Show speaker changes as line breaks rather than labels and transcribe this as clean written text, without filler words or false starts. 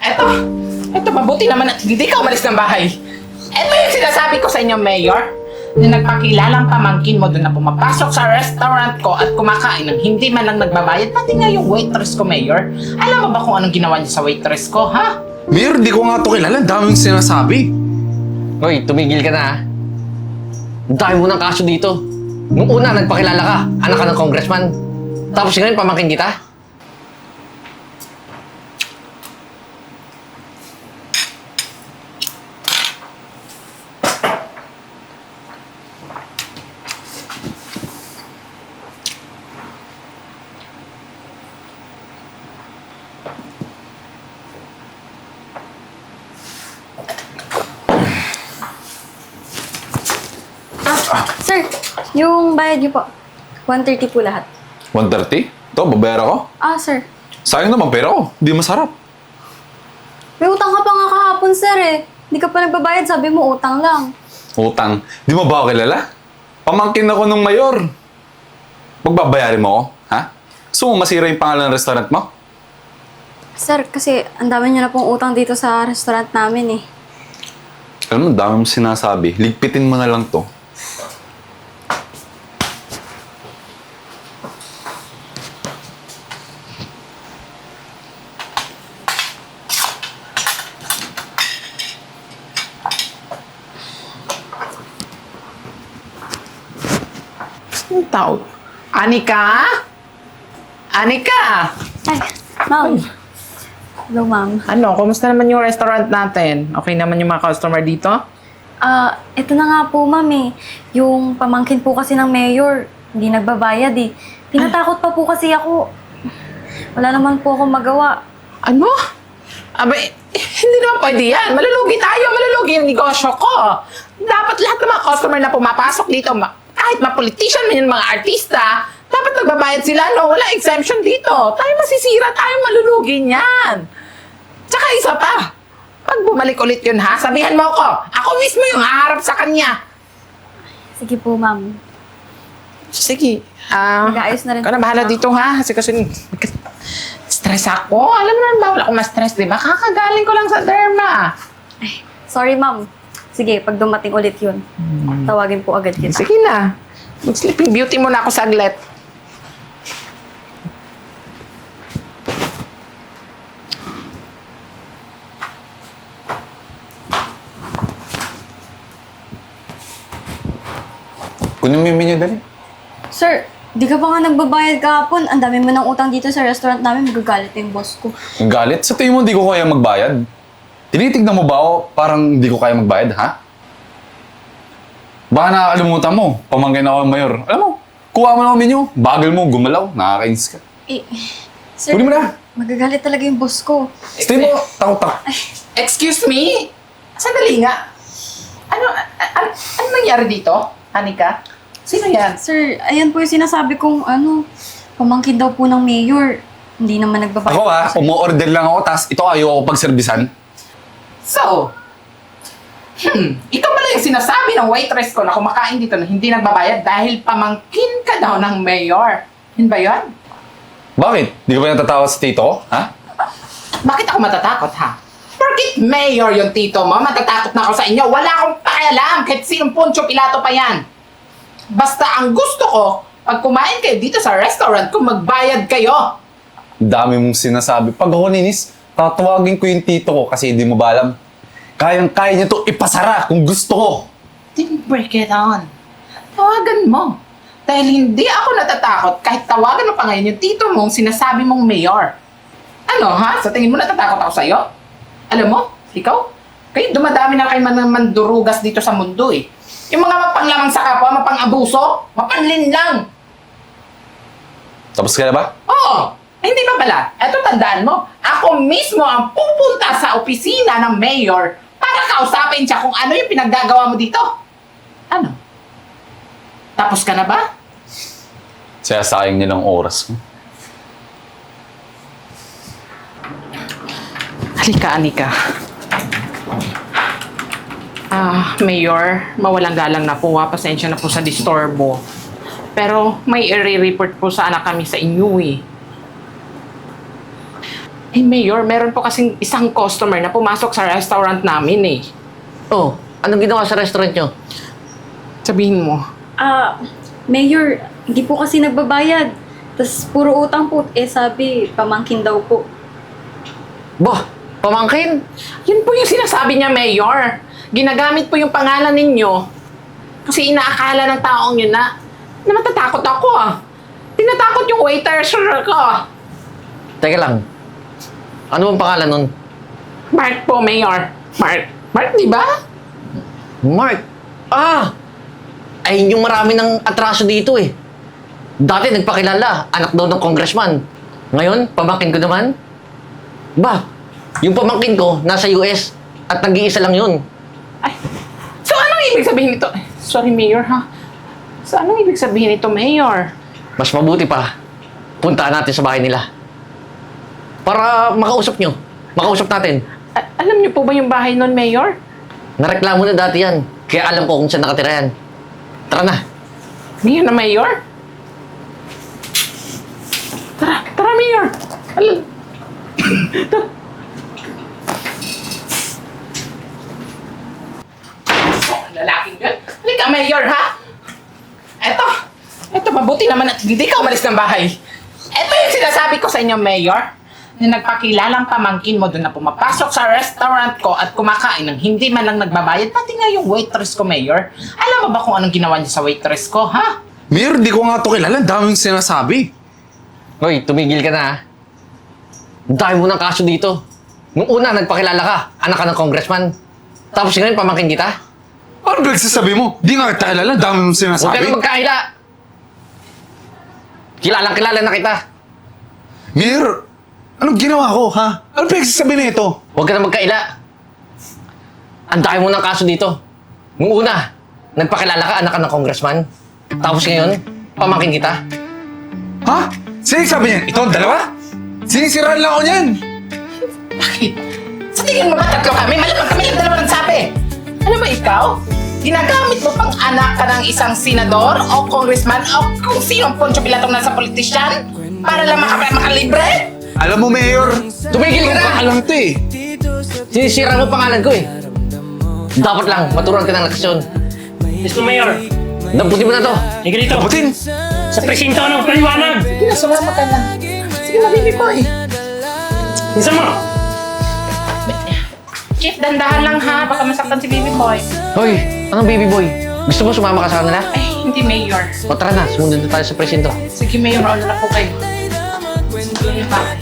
Eto, mabuti naman at hindi ka umalis ng bahay. Eto yung sinasabi ko sa inyo, Mayor. Na nagpakilalang pamangkin mo doon na pumapasok sa restaurant ko at kumakain ng hindi man lang nagbabayad, pati nga yung waitress ko, Mayor. Alam mo ba kung anong ginawa niya sa waitress ko, ha?
Mayor, di ko nga ito kilala. Ang daming sinasabi.
Hoy, tumigil ka na ha. Ang dami mo ng kaso dito. Nung una, nagpakilala ka. Anak ka ng congressman. Tapos ngayon, pamangkin kita.
Sir, yung bayad niyo po. 130 po lahat.
130? Ito, babayara ko.
Sir.
Sayang naman pera ko. Di masarap.
May utang ka pa nga kahapon, sir eh. Hindi ka pa nagbabayad, sabi mo utang lang.
Utang. Di mo ba ako kilala? Pamangkin ako nung mayor. Magbabayarin mo ako, ha? Gusto mo masira yung pangalan ng restaurant mo?
Sir, kasi ang dami niyo na pong utang dito sa restaurant namin eh.
Alam mo, ang dami mong sinasabi. Ligpitin mo na lang to.
Ang tawag. Anika? Anika!
Ay, ma'am. Hello, ma'am.
Ano, kumusta naman yung restaurant natin? Okay naman yung mga customer dito?
Ito na nga po, ma'am eh. Yung pamangkin po kasi ng mayor, hindi nagbabayad eh. Tinatakot pa po kasi ako. Wala naman po akong magawa.
Ano? Abay, hindi naman pwede yan. Malulugi tayo, malulugi yung negosyo ko. Dapat lahat ng mga customer na pumapasok dito, kahit mga politician man yung mga artista, dapat nagbabayad sila, no? Wala exemption dito. Tayo masisira, tayo malulugi niyan. Tsaka isa pa, pag bumalik ulit yun, ha? Sabihan mo ako. Ako mismo yung haharap sa kanya.
Sige po, ma'am.
Sige.
Mag-aayos na rin
Ikaw na
po
bahala
ako.
dito, ha? Kasi stress ako. Alam mo naman bawal ako ma-stress, di ba? Kakagaling ko lang sa derma.
Ay, sorry, ma'am. Sige, pag dumating ulit yun, tawagin po agad kita.
Sige na. Mag-sleeping beauty muna ako saglit.
Kunin mo yung menu dali.
Sir, di ka pa nga nagbabayad kahapon. Ang dami mo ng utang dito sa restaurant namin. Magagalit yung boss ko.
Ang galit? Sa tingin mo hindi ko kaya magbayad? Tinitignan mo ba ako parang hindi ko kaya magbayad, ha? Baka nakakalimutan mo. Pamangkin ako ng mayor. Alam mo, kuha mo lang ang menu. Bagal mo, gumalaw. Nakakainis ka.
Sir,
Kunin mo na.
magagalit talaga yung boss ko.
Stay mo, takot-takot.
Excuse me? Sandali nga. Ano nangyari dito, Anika? Sino yan?
Sir, ayan po yung sinasabi kong pamangkin daw po ng mayor. Hindi naman nagbabayad.
Ako ha, umu-order lang ako, tas ito ayaw ko pagservisan.
So, ikaw pala yung sinasabi ng waitress ko na kumakain dito na hindi nagbabayad dahil pamangkin ka daw ng mayor. Yun ba yun?
Bakit? Di ka ba natatawa sa tito ko, ha?
Bakit ako matatakot, ha? Bakit mayor yung tito mo? Matatakot na ako sa inyo. Wala akong pakialam kahit sinong Poncio Pilato pa yan. Basta ang gusto ko, pag kumain kayo dito sa restaurant, kung magbayad kayo.
Ang dami mong sinasabi. Pag ako ninis, tatawagin ko yung tito ko kasi hindi mo ba alam. Kayang-kaya niya to ipasara kung gusto ko.
Then break it on. Tawagan mo. Dahil hindi ako natatakot kahit tawagan mo pa ngayon yung tito mong sinasabi mong mayor. Ano ha? Sa tingin mo natatakot ako sa'yo? Alam mo, ikaw? Kayo dumadami na kayo mandurugas dito sa mundo eh. Yung mga mapanglamang sa kapwa, mapang-abuso, mapanlinlang.
Tapos ka na ba?
Oo, hindi pa pala. Eto tandaan mo, ako mismo ang pupunta sa opisina ng mayor para kausapin siya kung ano yung pinaggagawa mo dito. Ano? Tapos ka na ba?
Sayang niya ng oras ko.
Halika, Anika. Mayor, mawalang galang na po. Pasensya na po sa disturbo. Pero may i-report po sana kami sa inyo eh. Eh, Mayor, meron po kasing isang customer na pumasok sa restaurant namin eh.
Oh, anong ginawa sa restaurant nyo?
Sabihin mo.
Mayor, hindi po kasi nagbabayad. Tapos puro utang po. Eh sabi, pamangkin daw po.
Bah, pamangkin?
Yun po yung sinasabi niya, Mayor. Ginagamit po yung pangalan ninyo. Kasi inaakala ng taong yun na matatakot ako ah. Tinatakot yung waiter ko.
Teka lang. Ano bang pangalan nun?
Mark po, Mayor. Mark. Mark, di ba?
Mark. Ah! Ay, yung marami ng atraso dito eh. Dati nagpakilala, anak daw ng congressman. Ngayon, pamangkin ko naman. Ba, yung pamangkin ko nasa US at nag-iisa lang yun.
Ay. So, anong ibig sabihin nito? Sorry, Mayor, ha? So, anong ibig sabihin nito, Mayor?
Mas mabuti pa, puntaan natin sa bahay nila. Para makausap nyo. Makausap natin.
Alam niyo po ba yung bahay nun, Mayor?
Nareklamo na dati yan. Kaya alam ko kung saan nakatira yan. Tara na.
Ngayon na, Mayor? Tara, Mayor! Alam... Lalaking yun. Halika, Mayor, ha? Eto, mabuti naman at hindi ka umalis ng bahay. Eto yung sinasabi ko sa inyo, Mayor, na nagpakilalang pamangkin mo doon na pumapasok sa restaurant ko at kumakain ng hindi man lang nagbabayad, pati nga yung waitress ko, Mayor. Alam mo ba kung anong ginawa niya sa waitress ko, ha?
Mayor, di ko nga ito kilala. Ang daming sinasabi.
Hoy, tumigil ka na ha. Dahil mo ng kaso dito. Nung una, nagpakilala ka. Anak ka ng congressman. Tapos ngayon, pamangkin kita.
Ano nagsasabi mo? Di nga kita kilala. Ang daming
Huwag ka
sinasabi.
na magkahila. Kilalang-kilala na kita.
Mayor, anong ginawa ko, ha? Ano pinagsasabi na ito?
Huwag ka na magkaila. Ang dami mo ng kaso dito. Nung una, nagpakilala ka, anak ka ng congressman. Tapos ngayon, pamangkin kita.
Ha? Sino yung sabi niyan? Ito ang dalawa? Sinisiraan lang ako niyan.
Bakit? Sa tingin mo ba tatlo kami? Malamang kami yung dalawa nagsabi. Ano ba ikaw? Ginagamit mo pang anak ka ng isang senador o congressman o kung sino ang Poncio Pilatong nasa politisyan para lang makalibre?
Alam mo, Mayor,
Tumigil ka na!
alam to eh.
Sinisira mo pangalan ko eh. Dapat lang, maturuan ka ng leksyon.
Mr. Mayor,
Damputin mo na to.
hindi dito.
Kaputin!
Sa presinto ng paliwanag.
Sige na, sumama ka na. Sige na, baby boy.
Isa mo.
Chief, dandahan lang ha. Baka masaktan si baby boy.
Hoy, anong baby boy? Gusto mo sumama ka sa kanila?
Ay, hindi, Mayor.
O tara na, sumunod na tayo sa presinto.
Sige, Mayor. Ano na po kayo? Sige pa.